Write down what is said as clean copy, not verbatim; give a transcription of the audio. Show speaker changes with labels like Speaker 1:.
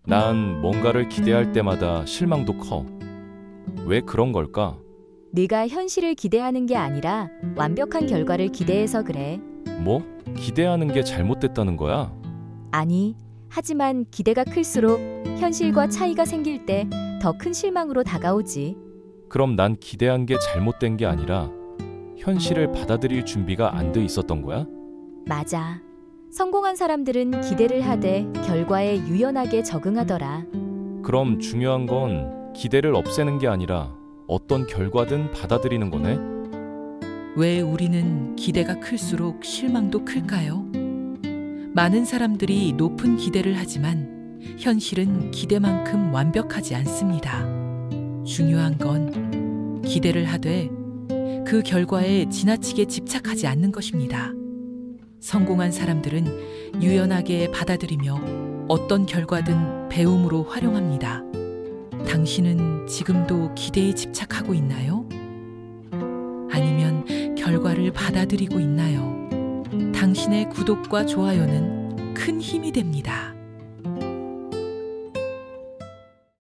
Speaker 1: 난 뭔가를 기대할 때마다 실망도 커. 왜 그런 걸까?
Speaker 2: 네가 현실을 기대하는 게 아니라 완벽한 결과를 기대해서 그래.
Speaker 1: 뭐? 기대하는 게 잘못됐다는 거야?
Speaker 2: 아니, 하지만 기대가 클수록 현실과 차이가 생길 때 더 큰 실망으로 다가오지.
Speaker 1: 그럼 난 기대한 게 잘못된 게 아니라 현실을 받아들일 준비가 안 돼 있었던 거야?
Speaker 2: 맞아. 성공한 사람들은 기대를 하되 결과에 유연하게 적응하더라.
Speaker 1: 그럼 중요한 건 기대를 없애는 게 아니라 어떤 결과든 받아들이는 거네?
Speaker 3: 왜 우리는 기대가 클수록 실망도 클까요? 많은 사람들이 높은 기대를 하지만 현실은 기대만큼 완벽하지 않습니다. 중요한 건 기대를 하되 그 결과에 지나치게 집착하지 않는 것입니다. 성공한 사람들은 유연하게 받아들이며 어떤 결과든 배움으로 활용합니다. 당신은 지금도 기대에 집착하고 있나요? 아니면 결과를 받아들이고 있나요? 당신의 구독과 좋아요는 큰 힘이 됩니다.